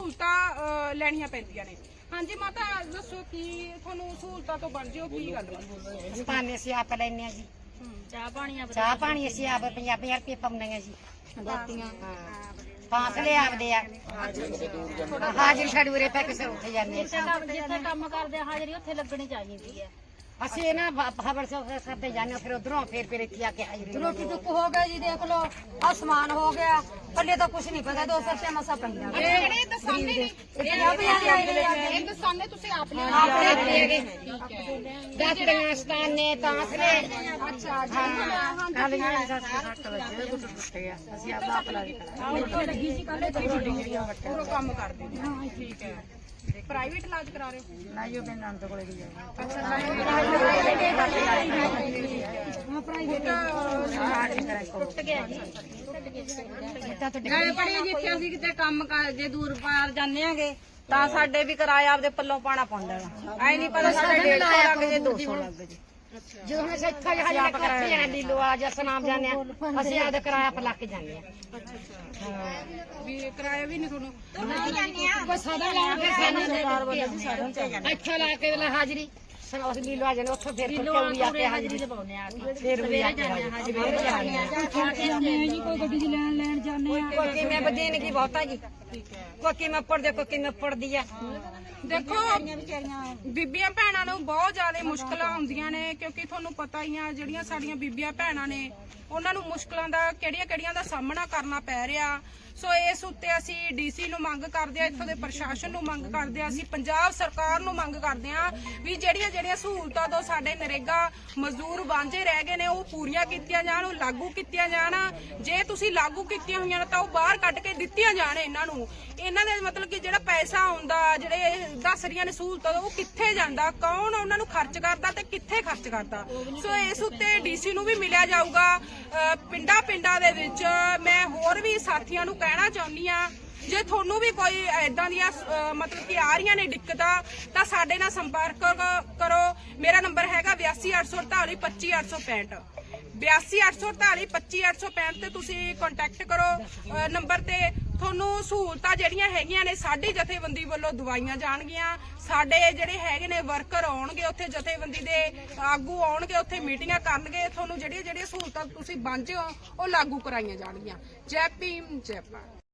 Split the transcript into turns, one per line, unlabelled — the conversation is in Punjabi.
सहूलतां लैणियां पैंदियां ने। हाँ जी माता दसो कि तुहानूं सहूलतां तो बन जिओ की गल
पानी ਅਸੀਂ ਆਪ ਲੈਣੇ ਆ ਜੀ ਚਾਹ ਪਾਣੀ ਅਸੀਂ ਆਪ 50 ਰੁਪਏ ਪਾਉਂਦੇ ਆ ਜੀ ਫਾਸਲੇ ਆਪਦੇ ਆ ਹਾਜ਼ਰ ਛੜੂਰੇ ਪੈ ਕੇ ਉੱਠ ਜਾਂਦੇ
ਜਿੱਥੇ ਕੰਮ ਕਰਦੇ ਹਾਜ਼ਰੀ ਉੱਥੇ ਲੱਗਣੀ ਚਾਹੀਦੀ ਹੈ।
ਅਸੀਂ ਨਾ ਖਬਰ ਕਰਦੇ ਜਾਂਦੇ ਫਿਰ ਉਧਰੋਂ ਫਿਰ ਇੱਥੇ ਆ ਕੇ ਹਾਜ਼ਰੀ
रोटी टुक हो गया जी देख लो आसमान हो गया पहले तो कुछ नहीं पता 200 रुपया मसा पैंदा
दसाने तुसीं आप ले
ਦਾਤੀਆਂ ਸਤਾਨੇ ਤਾਂਸਲੇ
अच्छा
ਕਾਲੀਆਂ 7 ਵਜੇ ਦੁੱਧ ਟੁੱਟ ਗਿਆ ਅਸੀਂ ਆਪ ਲਾ ਕੇ
पूरा काम करदे ने। ठीक है प्राइवेट इलाज करा रहे हो?
ਨਾ ਜੋ ਮੈਂ ਨੰਦ ਕੋਲੇ ਦੀ ਜਾਣਾ
ਨਾਲੇ ਪੜੀਏ ਜਿੱਥੇ ਅਸੀਂ ਕਿਤੇ ਕੰਮ ਜੇ ਦੂਰ ਪਾਰ ਜਾਂਦੇ ਆਂਗੇ ਤਾਂ ਸਾਡੇ ਵੀ ਕਿਰਾਇਆ ਆਪਦੇ ਪੱਲੋਂ ਪਾਣਾ ਪੈਂਦਾ ਐ ਨਹੀਂ ਪਤਾ ਸਾਡੇ 150 ਲੱਗ ਜੇ 200 ਲੱਗ ਜੇ
ਜਦੋਂ ਅਸੀਂ ਇੱਥੇ ਹਾਜ਼ਰ ਕਰਕੇ ਜਾਣਾ ਢਿੱਲੋ ਆ ਜਾਂ ਸਨਾਮ ਜਾਂਦੇ ਆ ਅਸੀਂ ਆਪਦੇ ਕਿਰਾਇਆ ਪਰ ਲਾ ਕੇ ਜਾਂਦੇ ਆ
ਵੀ ਕਿਰਾਇਆ ਵੀ ਨਹੀਂ ਤੁਹਾਨੂੰ
ਇੱਥੇ ਲਾ ਕੇ ਹਾਜ਼ਰੀ ਉਸ ਲੀਲੋ ਆ ਜਾਣੇ ਉੱਥੋਂ ਫਿਰ ਵੀ ਆ ਕੇ ਹਾਜ਼ਰੀ
ਲਵਾਉਂਦੇ ਆ
ਫਿਰ ਵੀ ਆ ਕੇ ਹਾਜ਼ਰੀ
ਕੋਈ ਗੱਡੀ 'ਚ ਲੈਣ ਜਾਂਦੇ ਆ
ਕੋਈ ਕਿਵੇਂ ਬਦੀਨ ਕੀ ਬਹੁਤਾ ਜੀ ਕੋਈ ਕਿਵੇਂ ਪੜਦੇ ਕੋਈ ਕਿਵੇਂ ਪੜਦੀ ਆ
ਦੇਖੋ ਬੀਬੀਆਂ ਭੈਣਾਂ ਨੂੰ ਬਹੁਤ ਜ਼ਿਆਦਾ ਮੁਸ਼ਕਲਾਂ ਆਉਂਦੀਆਂ ਨੇ ਕਿਉਂਕਿ ਤੁਹਾਨੂੰ ਪਤਾ ਹੀ ਆ ਜਿਹੜੀਆਂ ਸਾਡੀਆਂ ਬੀਬੀਆਂ ਭੈਣਾਂ ਨੇ ਉਹਨਾਂ ਨੂੰ ਮੁਸ਼ਕਲਾਂ ਦਾ ਕਿਹੜੀਆਂ ਦਾ ਸਾਹਮਣਾ ਕਰਨਾ ਪੈ ਰਿਹਾ। ਸੋ ਇਸ ਉੱਤੇ ਅਸੀਂ ਡੀਸੀ ਨੂੰ ਮੰਗ ਕਰਦੇ ਆ, ਇੱਥੋਂ ਦੇ ਪ੍ਰਸ਼ਾਸਨ ਨੂੰ ਮੰਗ ਕਰਦੇ ਆ, ਅਸੀਂ ਪੰਜਾਬ ਸਰਕਾਰ ਨੂੰ ਮੰਗ ਕਰਦੇ ਆ ਵੀ ਜਿਹੜੀਆਂ ਸਹੂਲਤਾਂ ਤੋਂ ਸਾਡੇ ਨਰੇਗਾ ਮਜ਼ਦੂਰ ਵਾਂਝੇ ਰਹਿ ਗਏ ਨੇ ਉਹ ਪੂਰੀਆਂ ਕੀਤੀਆਂ ਜਾਣ, ਉਹ ਲਾਗੂ ਕੀਤੀਆਂ ਜਾਣ। ਜੇ ਤੁਸੀਂ ਲਾਗੂ ਕੀਤੀਆਂ ਹੋਈਆਂ ਨੇ ਤਾਂ ਉਹ ਬਾਹਰ ਕੱਢ ਕੇ ਦਿੱਤੀਆਂ ਜਾਣ ਇਹਨਾਂ ਨੂੰ। ਇਹਨਾਂ ਦੇ ਮਤਲਬ ਕਿ ਜਿਹੜਾ ਪੈਸਾ ਆਉਂਦਾ ਜਿਹੜੇ ਦੱਸ ਰਹੀਆਂ ਨੇ ਸਹੂਲਤਾਂ ਉਹ ਕਿੱਥੇ ਜਾਂਦਾ, ਕੌਣ ਉਹਨਾਂ ਨੂੰ ਖਰਚ ਕਰਦਾ ਤੇ ਕਿੱਥੇ ਖਰਚ ਕਰਦਾ। ਸੋ ਇਸ ਉੱਤੇ ਡੀਸੀ ਨੂੰ ਵੀ ਮਿਲਿਆ ਜਾਊਗਾ। ਪਿੰਡਾਂ ਦੇ ਵਿੱਚ ਮੈਂ ਹੋਰ ਵੀ ਸਾਥੀਆਂ ਨੂੰ ਕਹਿਣਾ ਚਾਹੁੰਦੀ ਆ ਜੇ ਤੁਹਾਨੂੰ ਵੀ ਕੋਈ ਇਦਾਂ ਦੀਆਂ ਮਤਲਬ ਕਿ ਆ ਰਹੀਆਂ ਨੇ ਦਿੱਕਤਾਂ ਤਾਂ ਸਾਡੇ ਨਾਲ ਸੰਪਰਕ ਕਰੋ। ਮੇਰਾ ਨੰਬਰ ਹੈਗਾ 82 848 25 865 82 848 25 865 ਤੇ ਤੁਸੀਂ ਕੰਟੈਕਟ ਕਰੋ ਨੰਬਰ ਤੇ। ਤੁਹਾਨੂੰ ਸਹੂਲਤਾਂ ਜਿਹੜੀਆਂ ਹੈਗੀਆਂ ਨੇ ਸਾਡੀ ਜਥੇਬੰਦੀ ਵੱਲੋਂ ਦਵਾਈਆਂ ਜਾਣਗੀਆਂ, ਸਾਡੇ ਜਿਹੜੇ ਹੈਗੇ ਨੇ ਵਰਕਰ ਆਉਣਗੇ ਉੱਥੇ, ਜਥੇਬੰਦੀ ਦੇ ਆਗੂ ਆਉਣਗੇ ਉੱਥੇ ਮੀਟਿੰਗਾਂ ਕਰਨਗੇ, ਤੁਹਾਨੂੰ ਜਿਹੜੀਆਂ ਸਹੂਲਤਾਂ ਤੁਸੀਂ ਵਾਂਝੇ ਹੋ ਉਹ ਲਾਗੂ ਕਰਾਈਆਂ ਜਾਣਗੀਆਂ। ਜੈ ਭੀਮ ਜੈ ਭਾਰਤ।